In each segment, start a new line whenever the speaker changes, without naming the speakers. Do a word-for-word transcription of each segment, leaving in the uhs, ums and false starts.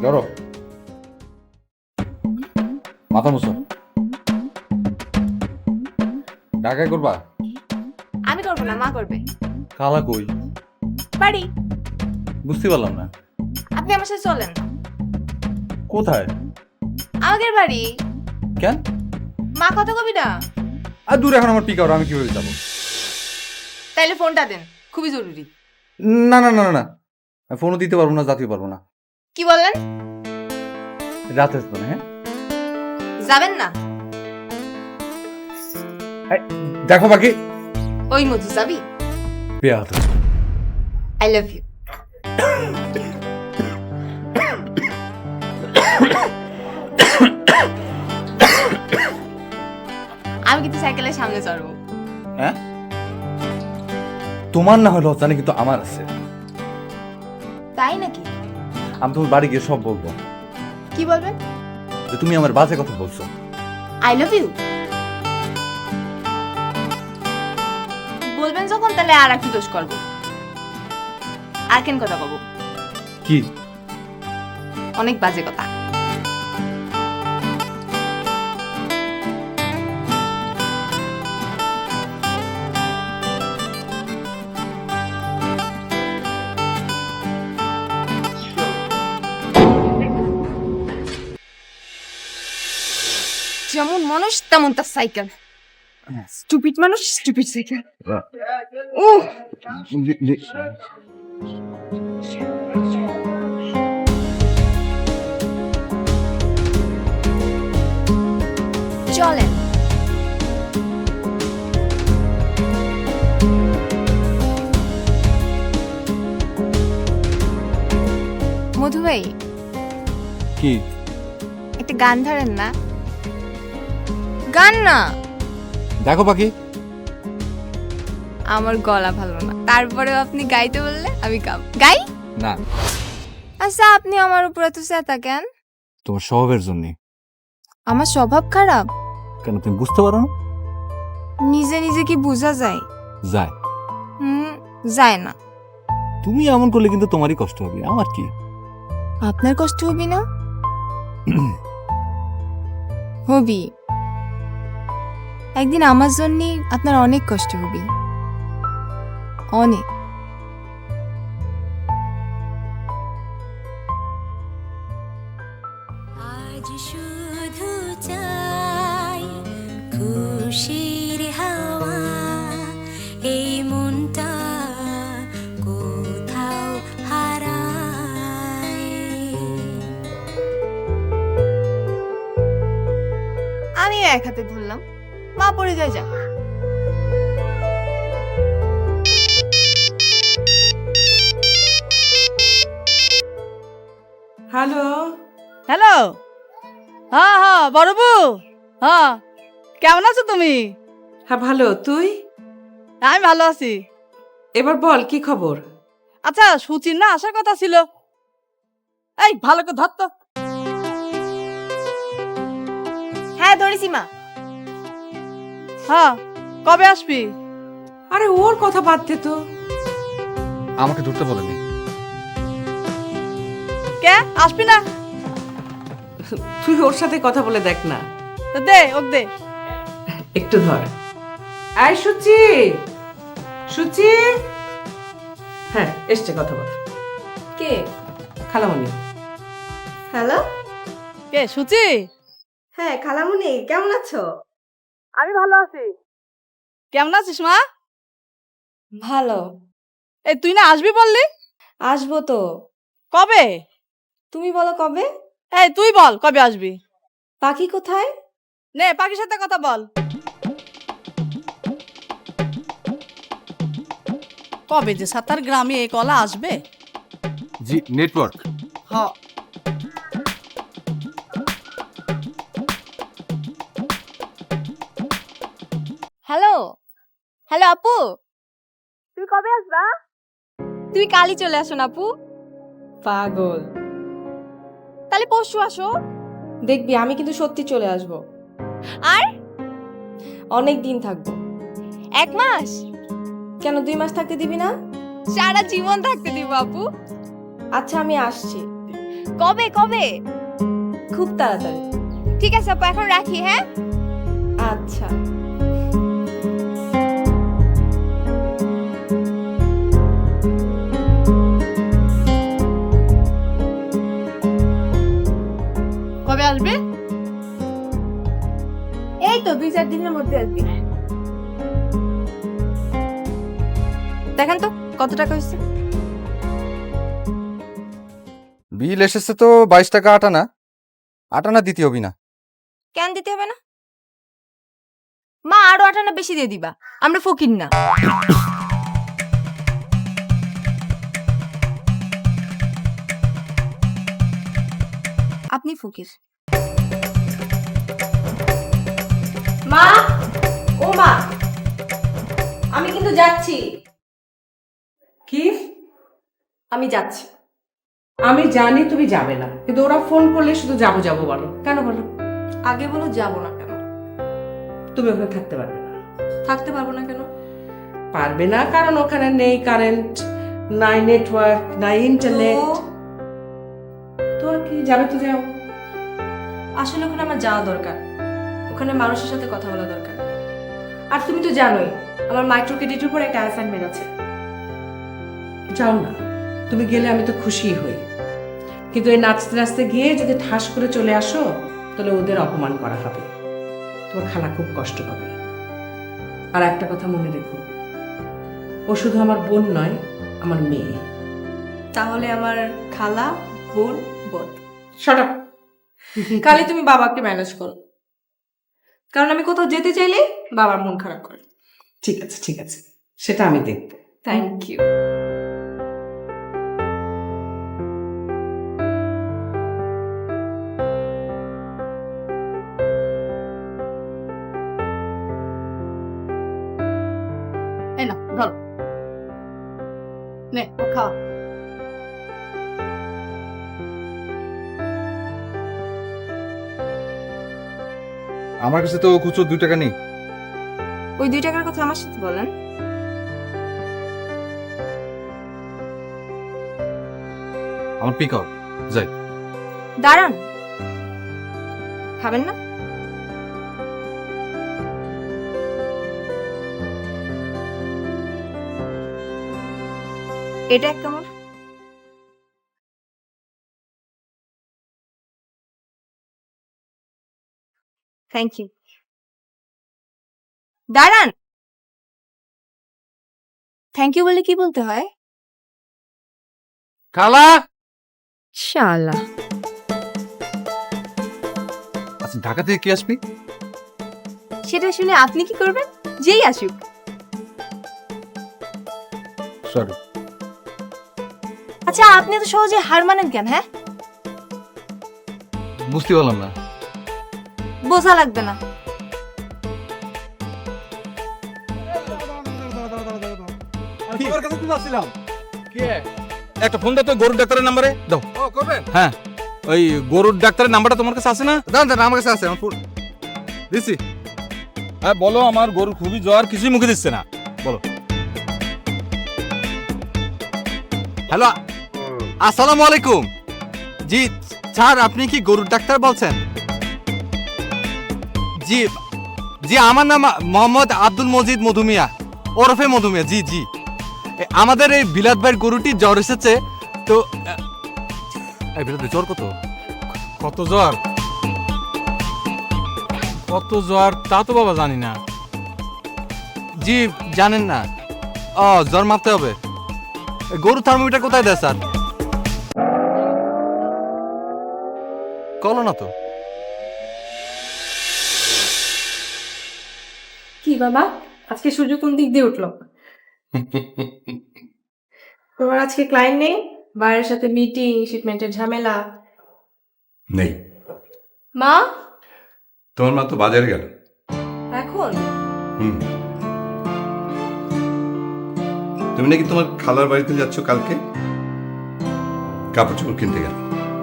ধরো মাথা মুছো। ঢাকায় করবা?
আমি করবো না, মা করবে।
কালা কই?
বাড়ি।
বুঝতে পারলাম না।
আপনি আমার সাথে চলেন।
কোথায়?
আমাদের বাড়ি।
কেন?
মা কথা কবি না?
আর দূর, এখন আমার পিক আউট, আমি কিভাবে যাবো?
তাইলে ফোনটা দেন, খুবই জরুরি।
না না না না না, আমি ফোনও দিতে পারবো না, জাতীয় পারবো না।
কি বললেন?
রাতে আসবো না। হ্যাঁ
যাবেন না?
দেখো বাকি
ওই মধু যাবি?
পেয়াদ।
I love you. আমি কিন্তু সাইকেলের সামনে চড়বো।
হ্যাঁ, তোমার না হলে জানি, কিন্তু আমার আছে।
তাই নাকি?
আমি তোমার বাড়ি গিয়ে সব বলবো।
কি বলবেন?
যে তুমি আমার বাজে কথা বলছো।
আই লাভ ইউ বলবেন যখন, তাহলে আর একটু দোষ করবো। আর কেন কথা কব?
কি?
অনেক বাজে কথা। যেমন মানুষ তেমন তার সাইকেল। স্টুপিড মানুষ, স্টুপিড সাইকেল। ও চলেন। মধু ভাই,
কি?
একটা গান ধরেন না? গান না।
দেখো বাকি,
আমার গলা ভালো না, তারপরেও আপনি গাইতে বললে আমি গাব। গাই
না।
আচ্ছা, আপনি আমার উপর এত চেতা কেন?
তোমার স্বভাবের জন্য।
আমার স্বভাব খারাপ?
কেন, তুমি বুঝতে পারো না?
নিজে নিজে কি বোঝা যায়?
যায়।
হুম, যায় না।
তুমি এমন করলে কিন্তু তোমারই কষ্ট হবে, আমার কি?
আপনার কষ্ট হবি না? হবি। একদিন আমার জন্য আপনার অনেক কষ্ট হবে, অনেক।
আজ শুধু চাই খুশির হাওয়া, এই মনটা কোথাও হারায়।
আমি এক হাতে ধরলাম, মা পড়ে যায় যাক।
হ্যালো
হ্যালো, হ্যাঁ হ্যাঁ বড়বু, হ্যাঁ কেমন আছো তুমি?
হ্যাঁ ভালো, তুই?
আমি ভালো আছি।
এবার বল কি খবর?
আচ্ছা, সুচির না আসার কথা ছিল। এই ভালো করে ধর তো।
হ্যাঁ ধরেছি মা।
হ্যাঁ, কবে আসবি?
আরে ওর কথা বাদ দে তো।
আমাকে ধরতে বলেনি।
কে আসবি না?
তুই ওর সাথে কথা বলে দেখ না।
তো দে ওক দে।
একটু ধর। আয় সুচি, সুচি। হ্যাঁ এসছে, কথা বল।
কে?
খালামণি।
হ্যালো।
কে সুচি?
হ্যাঁ খালামুনি, কেমন আছো?
আমি ভালো আছি। কেমন আছিস মা?
ভালো।
এই তুই না আসবি বললি?
আসবো তো।
কবে?
তুমি বলো কবে?
এই তুই বল কবে আসবি?
পাখি কোথায়?
নে পাখির সাথে কথা বল। কবে যে সাতার গ্রামে এই কলা আসবে?
জি, নেটওয়ার্ক।
হ্যাঁ।
হ্যালো হ্যালো আপু, তুমি কবে আসবা? তুমি কালই চলে আসো না আপু।
পাগল।
তাহলে পরশু আসো।
দেখবি আমি কিন্তু সত্যি চলে আসবো।
আর
অনেক দিন থাকবো।
এক মাস?
কেন দুই মাস থাকতে দিবি না?
সারা জীবন থাকতে দিব আপু।
আচ্ছা আমি আসছি।
কবে কবে?
খুব তাড়াতাড়ি।
ঠিক আছে আপু, এখন রাখি, হ্যাঁ?
আচ্ছা।
কবে আসবে? এই তো দুই চার দিনের মধ্যে আসবি। দেখেন তো কত টাকা হয়েছে।
বিল এসেছে তো বাইশ টাকা আটানা। আটানা দিতে হবি না।
কেন দিতে হবে না? মা আরো আটানা বেশি দিয়ে দিবা, আমরা ফকির না। আপনি ফকির।
মা, ও মা, আমি কিন্তু যাচ্ছি।
কি?
আমি যাচ্ছি।
আমি জানি তুমি যাবে না, কিন্তু ওরা ফোন করলে শুধু যাবো যাবো বলো। কেন বলো?
আগে বলো যাবো না কেন?
তুমি ওখানে থাকতে পারবে না।
থাকতে পারবো না কেন?
পারবে না কারণ ওখানে নেই কারেন্ট, নাই নেটওয়ার্ক, নাই ইন্টারনেট।
তো
তো আর কি, যাবে তো যাও।
আসলে ওখানে আমার যাওয়া দরকার, ওখানে মানুষের সাথে কথা বলা দরকার। আর তুমি তো জানোই আমার মাইক্রো ক্রেডিটের উপর একটা অ্যাসাইনমেন্ট আছে।
যাও না, তুমি গেলে আমি তো খুশি হই, কিন্তু এই নাচতে নাচতে গিয়ে যদি ঠাস করে চলে আসো তাহলে ওদের অপমান করা হবে, তোমার খালা খুব কষ্ট পাবে। আর একটা কথা মনে রেখো, ও শুধু আমার বোন নয়, আমার মেয়ে।
তাহলে আমার খালা, বোন, বোন।
Shut up!
খালি তুমি বাবাকে ম্যানেজ করো, কারণ আমি কোথাও যেতে চাইলে বাবার মন খারাপ করে।
ঠিক আছে ঠিক আছে, সেটা আমি দেখবো।
Thank you.
এই না ধর, নে ও খাওয়া।
আমার কাছে তো খুচরো দুই টাকা নেই।
ওই দুই টাকার কথা আমার সাথে বলেন।
আমার পিক আউট যাই।
দাঁড়ান, খাবেন না? এটা এক কামড়। Thank you. দাঁড়ান, থ্যাংক ইউ বলে কি বলতে হয়?
খালা,
শালা।
আচ্ছা ঢাকা থেকে কি আসবি?
সেটা শুনে আপনি কি করবেন? যেই আসুক।
সরি।
আচ্ছা আপনি তো সহজে হার মানেন কেন? হ্যাঁ,
বুঝতে পারলাম না।
বোঝা লাগবে না।
একটা ফোন দাও তো গরুর ডাক্তারের নাম্বারে দাও।
ও করবেন?
হ্যাঁ, ওই গরুর ডাক্তারের নাম্বারটা তোমার কাছে আছে না?
দাঁড়ান দাঁড়ান, আমার কাছে আছে, আমার ফোন দিচ্ছি।
হ্যাঁ বলো, আমার গরুর খুবই জ্বর, কিছুই মুখে দিচ্ছে না, বলো।
হ্যালো, আসসালামু আলাইকুম। জি স্যার, আপনি কি গরুর ডাক্তার বলছেন? জি জি, আমার নাম মোহাম্মদ আব্দুল মজিদ মধুমিয়া, ওরফে মধুমিয়া। জি জি, এ, আমাদের এই বিলাত ভাইয়ের গরুটি জ্বর এসেছে তো। এই বিলাত ভাই, জ্বর কত?
কত জ্বর? কত জ্বর তা তো বাবা জানি না।
জি জানেন না? ও, জ্বর মাপতে হবে। এ, গরুর থার্মোমিটার কোথায় দেয় স্যার? কলো না তো।
কি বাবা, আজকে সূর্য কোন দিক দিয়ে উঠলো? তোমার আজকে ক্লায়েন্ট নেই? বাইরের সাথে মিটিং, শিপমেন্টের ঝামেলা?
নেই।
মা,
তোমার মা তো বাজারে গেল।
এখন?
হুম। তুমি নাকি তোমার খালার বাড়িতে যাচ্ছ কালকে, কাপড় চোপড় কিনতে গেল।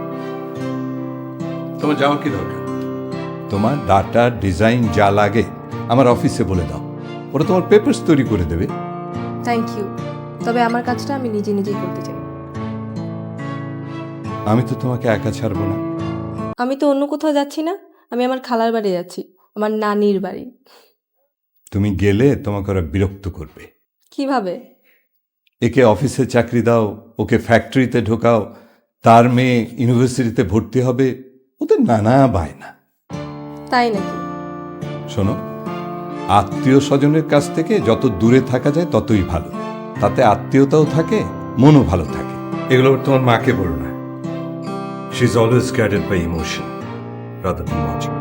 তোমার যাওয়ার কি দরকার? তোমার ডাটা ডিজাইন যা লাগে আমার অফিসে বলে দাও, ওরা তোমার পেপারস তৈরি করে দেবে।
থ্যাংক ইউ, তবে আমার কাজটা আমি নিজে নিজেই করতে চাই।
আমি তো তোমাকে একা ছাড়বো না।
আমি তো অন্য কোথাও যাচ্ছি না, আমি আমার খালার বাড়ি যাচ্ছি, আমার নানির বাড়ি।
তুমি গেলে তোমাকে ওরা বিরক্ত করবে।
কিভাবে?
একে অফিসে চাকরি দাও, ওকে ফ্যাক্টরিতে ঢোকাও, তার মেয়ে ইউনিভার্সিটিতে ভর্তি হবে, ওদের নানা বায়না।
তাই নাকি?
শোনো, আত্মীয় স্বজনের কাছ থেকে যত দূরে থাকা যায় ততই ভালো। তাতে আত্মীয়তাও থাকে, মনও ভালো থাকে। এগুলো তোমার মাকে বলো না। She is always guided by emotion rather than logic.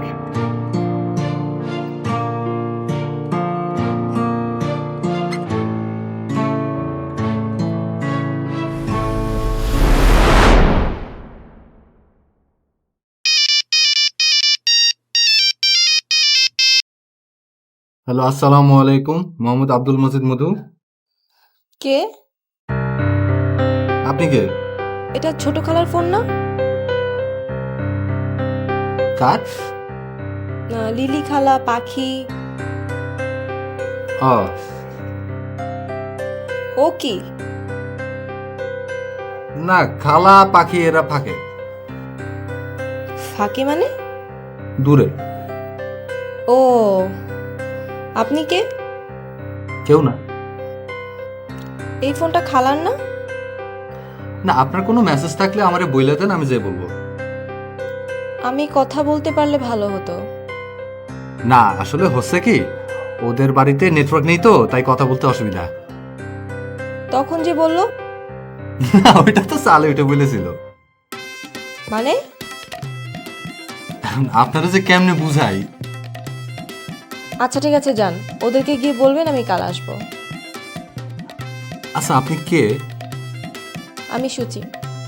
Hello, আসসালামু আলাইকুম। মোহাম্মদ আব্দুল মজিদ মধু।
কে?
আপনি কে?
এটা ছোট খালার ফোন না?
কার?
আহ, লিলি খালা, পাখি।
ও,
ও কি?
না, খালা পাখি এরা ফাঁকে,
ফাঁকি মানে?
দূরে।
ও, আপনি কে?
কেউ না।
এই ফোনটা খালার না?
না, আপনার কোনো মেসেজ থাকলে আমারে বইলে দেন, আমি যে বলবো।
আমি কথা বলতে পারলে ভালো হতো।
না, আসলে হচ্ছে কি, ওদের বাড়িতে নেটওয়ার্ক নেই তো, তাই কথা বলতে অসুবিধা।
তখন যে বললো।
না, ওইটা তো চালে ওইটা বলেছিল।
মানে?
আপনারা যে কেমনে বুঝাই।
আচ্ছা ঠিক আছে, যান, ওদেরকে গিয়ে বলবেন আমি কাল আসবো।
আচ্ছা, আপনি কে?
আমি সুচি।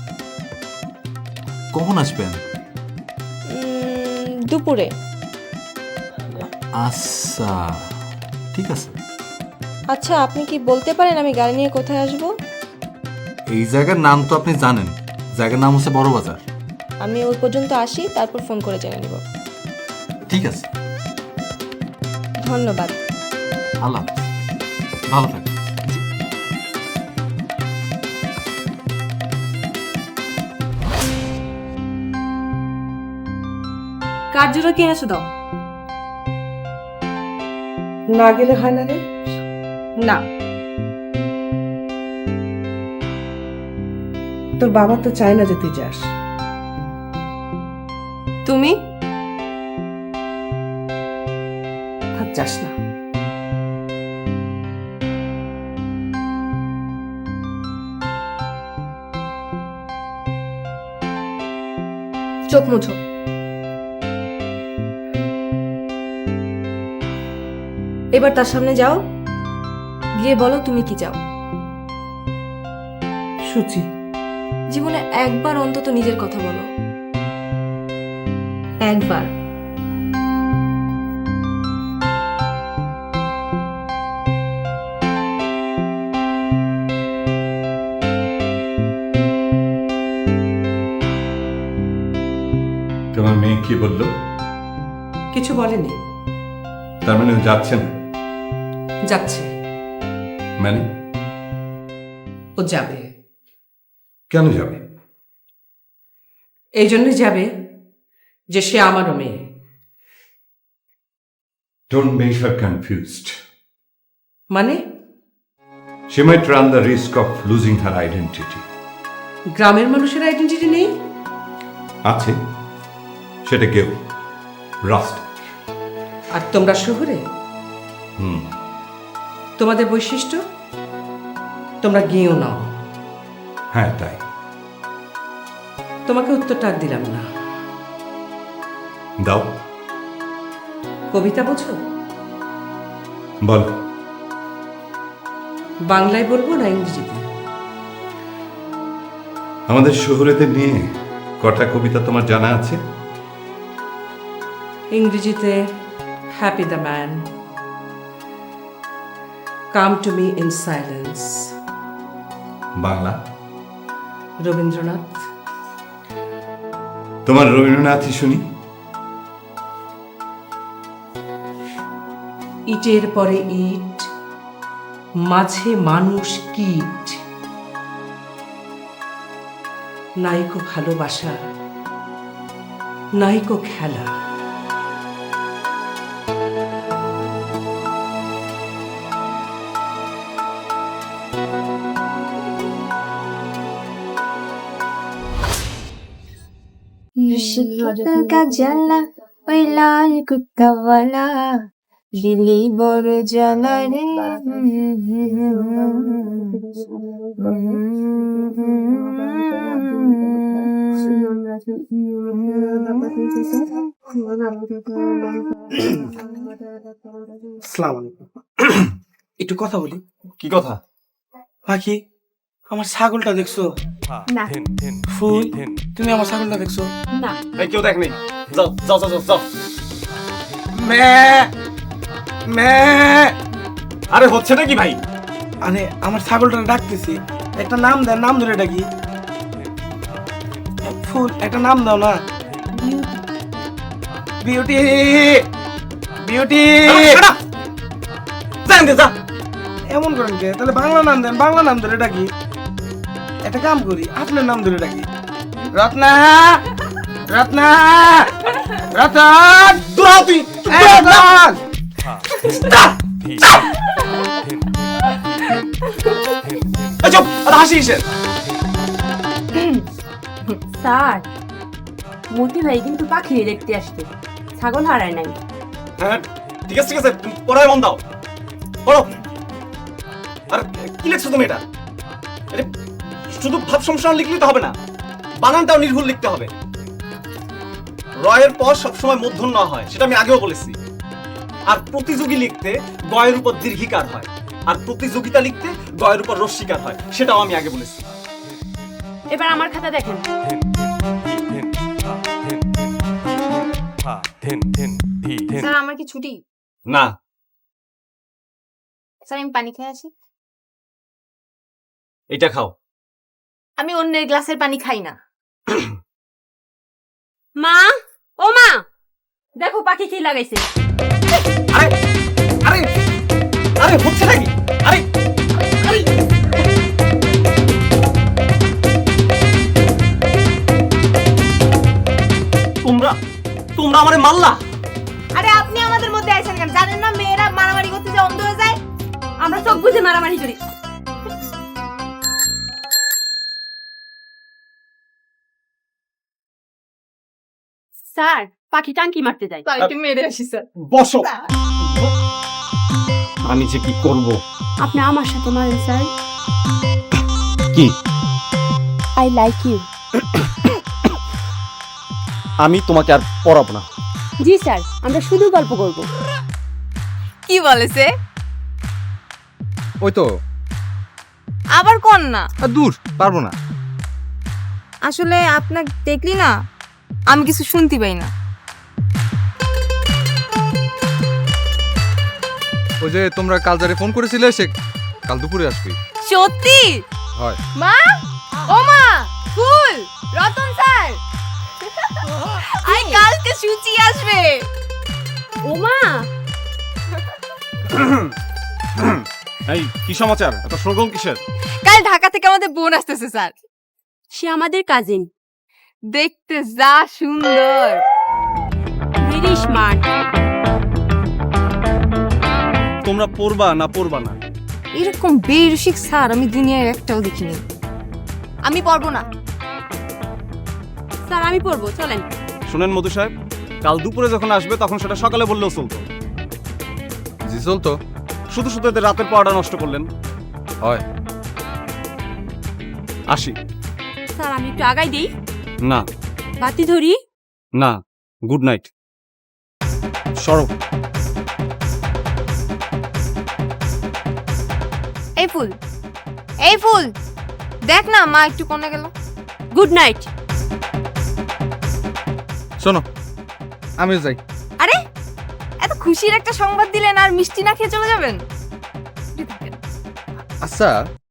কখন আসবেন?
উম, দুপুরে।
আচ্ছা, ঠিক আছে।
আচ্ছা, আপনি কি বলতে পারেন আমি গাড়ি নিয়ে কোথায় আসবো?
এই জায়গার নাম তো আপনি জানেন, জায়গার নাম হচ্ছে বড় বাজার।
আমি ওই পর্যন্ত আসি, তারপর ফোন করে জেনে নিব।
ঠিক আছে,
ধন্যবাদ।
আল্লাহ হাফেজ। ভালো থাকবেন।
কার জন্য কি এনেছো দাও?
না গেলে হয় না রে?
না।
তোর বাবা তো চায় না যে তুই যাস।
তুমি?
আর যাস না।
চোখ মুছো। এবার তার সামনে যাও, গিয়ে বলো তুমি কি চাও।
সুচি,
জীবনে একবার অন্তত নিজের কথা বলো, একবার।
তোমার মেয়ে কি বললো?
কিছু বলেনি।
তার মানে ও যাচ্ছে না?
যাচ্ছে।
মানে?
ও যাবে।
কেন যাবে?
এই জন্য যাবে যে সে আমারও মেয়ে।
Don't make her confused.
মানে?
She might run the risk of losing her identity.
গ্রামের মানুষের আইডেন্টিটি নেই?
আছে, সেটা কেউ রাস্ট।
আর তোমরা শহরে?
হুম।
তোমাদের বৈশিষ্ট্য তোমরা গিয়েও নাও।
হ্যাঁ, তাই।
তোমাকে উত্তরটা আর দিলাম না।
দাও।
কবিতা বোঝো?
বল।
বাংলায় বলবো না ইংরেজিতে?
আমাদের শহরেদের নিয়ে কটা কবিতা তোমার জানা আছে?
ইংরেজিতে happy the man, come to me in silence.
Bangla?
Rabindranath.
তোমার রবীন্দ্রনাথই শুনি।
ইটের পরে ইট, মাঝে মানুষ কীট। নাইকো ভালোবাসা, নাইকো খেলা।
জ্বালা ওই লাল কুত্তাওয়ালা দিলি বড় জ্বালা রে।
আসসালামু আলাইকুম। একটু কথা বলি।
কি কথা?
পাখি, আমার ছাগলটা দেখছো?
না।
ফুল, তুমি আমার ছাগলটা দেখছো?
না।
এই কেউ দেখনি, যাও যাও যাও যাও, যাও।
মে মে
আরে হচ্ছে নাকি ভাই?
আরে আমার ছাগলটা ডাকতেছি, একটা নাম দেন, নাম ধরে ডাকি। ফুল, একটা নাম দাও না। বিউটি বিউটি
যান দে, যা।
এমন করেন কে? তাহলে বাংলা নাম দেন, বাংলা নাম ধরে ডাকি। একটা কাম করি, আপনার নাম ধরে ডাকি। রত্না রত্না রতন,
দূরা তুই।
এই রতন!
এই চুপ, আর হাসি কিসের?
স্যার, মতি ভাই কিন্তু পাখি দেখতে আসছে, ছাগল হারায় নাই।
হ্যাঁ, ঠিক আছে ঠিক আছে, পড়ায় মন দাও, পড়ো। আর কি লিখছো তুমি এটা? আরে, শুধু ভাব সম্প্রসারণ লিখলেই তো হবে না, বানানটাও নির্ভুল লিখতে হবে। রয়ের পর সবসময় মূর্ধন্য হয়, সেটা আমি আগেও বলেছি। আর প্রতিযোগী লিখতে গয়ের উপর দীর্ঘিকার হয়, আর প্রতিযোগিতা লিখতে গয়ের উপর রস্যিকার হয়, সেটাও আমি আগে বলেছি।
এবার আমার খাতা দেখেন।
স্যার আমার কি ছুটি?
না,
স্যার আমি পানি খেয়ে আসি।
এটা খাও।
আমি অন্যের গ্লাসের পানি খাই না।
মা, ও মা, দেখো পাখি কি লাগাইছে।
আরে আরে আরে হচ্ছে নাকি? আরে আরে তোমরা তোমরা আমারে মারলা?
আরে আপনি আমাদের মধ্যে আছেন কেন? জানেন না মেয়েরা মারামারি করতে যে অন্ধ হয়ে যায়?
আমরা চোখ বুঝে মারামারি করি। স্যার, পাখি টাঙ্কি মারতে যায়।
একটু মেরে আসি স্যার।
বসো। আমি যে কি করব?
আপনি আমার সাথে মারেন স্যার।
কি?
I like you.
আমি তোমাকে আর পড়াবো না।
জি স্যার, আমরা শুধু গল্প করব।
কি বলেছে?
ওই তো
আবার কোন না?
আর দূর, পারবো না।
আসলে আপনাকে দেখলি না, আমি কিছু শুনতে পাই না।
ওই যে তোমরা কাল যারে ফোন করেছিলে, সে কাল দুপুরে আসবে।
সত্যি?
হয়।
মা, ও মা, ফুল, রতন স্যার, আই কালকে সুচি আসবে।
ও মা,
এই কি সমাচার? এত সরগম কিসের?
কাল ঢাকা থেকে আমাদের বোন আসতেছে স্যার।
সে আমাদের কাজিন,
দেখতে যা সুন্দর,
ভেরি স্মার্ট।
তোমরা পড়বা না পড়বা না?
এরকম বেরসিক স্যার আমি দুনিয়ায় একটাও দেখিনি। আমি পড়বো না।
স্যার আমি পড়বো, চলেন।
শুনেন মধু সাহেব, কাল দুপুরে যখন আসবে তখন সেটা সকালে বললেও চলতো।
জি চলতো।
শুধু শুধু এদের রাতের পড়াটা নষ্ট করলেন।
হয়।
আসি।
স্যার আমি একটু আগাই দিই।
না
বাতি ধরি।
না, গুড নাইট। সরব।
এই ফুল, এই ফুল, দেখ না মা একটু কোনে গেল।
Good night.
শোনো, আমিও যাই।
আরে এত খুশির একটা সংবাদ দিলেন আর মিষ্টি না খেয়ে চলে যাবেন?
আচ্ছা,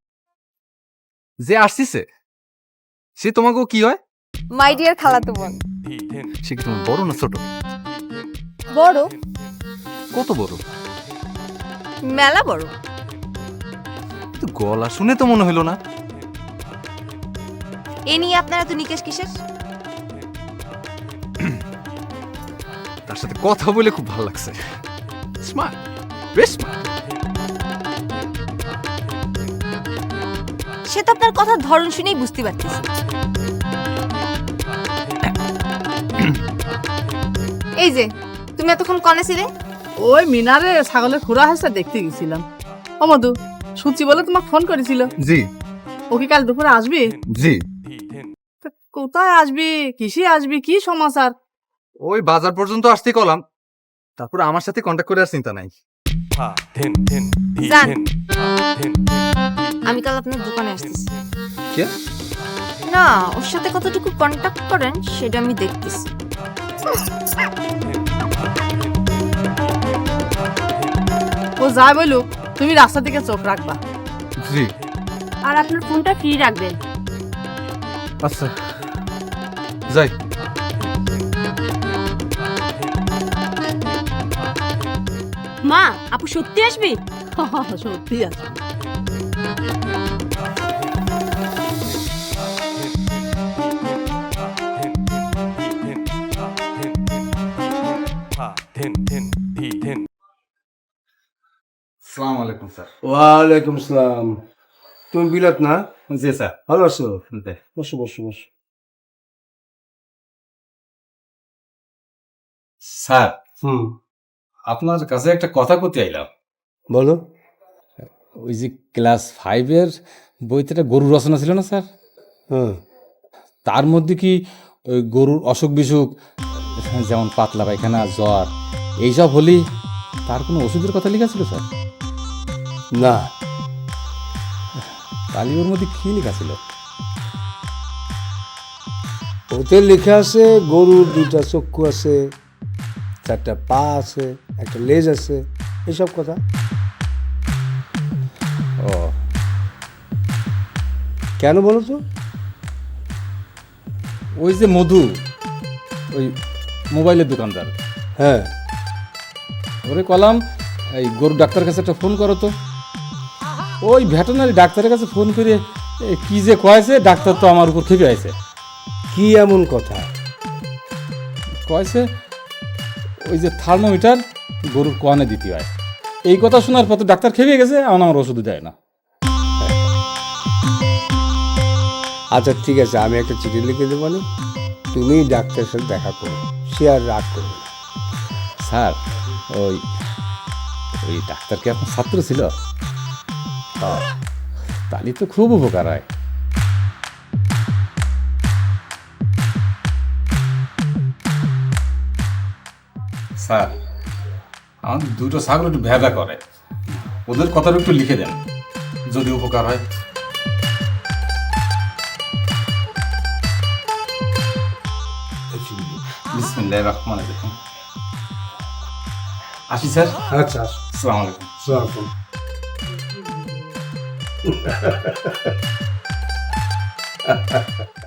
যে আসছে সে তোমাকেও কি হয়?
মাই ডিয়ার খালাতো বোন।
সে কি তোমার বড় না ছোট?
বড়।
কত বড়?
মেলা বড়।
কিন্তু গলা শুনে তো মনে হলো না।
এ নিয়ে আপনারা তো নিকেশ কিসের?
তার সাথে কথা বলে খুব ভালো লাগছে। স্মার্ট, বেশ স্মার্ট।
সে তো আপনার কথার ধরন শুনেই বুঝতে পারতেছি। এই যে তুমি এতক্ষণ কনে ছিলে?
ওই মিনারে ছাগলের খুরা হাসা দেখতে গেছিলাম। ও মধু, সুচি বলে তোমাকে ফোন করেছিল।
জি
ও কি কাল দুপুরে আসবি?
জি।
তা কোথায় আসবি, কিসে আসবি, কি সমাচার?
ওই বাজার পর্যন্ত আসতে কলাম, তারপর আমার সাথে কন্ট্যাক্ট করে আর চিন্তা নাই।
জান, আমি কাল আপনার দোকানে আসতেছি।
কে?
না, ওর সাথে কতটুকু কন্ট্যাক্ট করেন সেটা আমি দেখতেছি।
ও যাই বলুক, তুমি রাস্তা দিকে চোখ রাখবা।
জি
আর আপনার ফোনটা ফ্রি রাখবেন।
আচ্ছা, যাই।
মা, আপু সত্যি আসবি?
সত্যি আছে।
আসসালামু আলাইকুম স্যার।
ওয়ালাইকুম সালাম। তুমি বিলাত না?
জি স্যার।
ভালো আছো? বসো বসো বসো।
স্যার,
হুম,
আপনার কাছে একটা কথা করতে আইলাম।
বলো।
ওই যে ক্লাস ফাইভের বইতে একটা গরুর রচনা ছিল না স্যার?
হ্যাঁ,
তার মধ্যে কি ওই গরুর অসুখ বিসুখ, যেমন পাতলা পায়খানা, জ্বর, এইসব হলেই তার কোনো ওষুধের কথা লেখা ছিল স্যার?
না,
তাহলে ওর মধ্যে কি লেখা ছিল?
ওতে লেখা আছে গরুর দুইটা চক্ষু আছে, চারটা পা আছে, একটা লেজ আছে, এইসব কথা।
ও,
কেন বলো তো?
ওই যে মধু, ওই মোবাইলের দোকানদার,
হ্যাঁ,
ওরে কলাম এই গরু ডাক্তারের কাছে একটা ফোন করো তো। ওই ভেটেরিনারি ডাক্তারের কাছে ফোন করে এ, কি যে কয়েছে, ডাক্তার তো আমার উপর খেপে আছে।
কি এমন কথা?
কয়েছে ওই যে থার্মোমিটার গরুর কোয়ানে দিতে হয়, এই কথা শোনার পর তো ডাক্তার খেপে গেছে, আমার আমার ওষুধ দেয় না।
আচ্ছা ঠিক আছে, আমি একটা চিঠি লিখে দেবো না, তুমি ডাক্তারের সাথে দেখা করো, সে আর রাগ করবে না।
স্যার, ওই ওই ডাক্তার কি আপনার ছাত্র ছিল? তাহলে তো খুব উপকার হয়। স্যার, আমার দুটো ছাগল একটু ভেদা করে, ওদের কথাটা একটু লিখে দেন, যদি উপকার হয়। বিসমিল্লাহির রহমানির রহিম। আসি স্যার।
আচ্ছা,
আসসালামু আলাইকুম।
আসসালাম।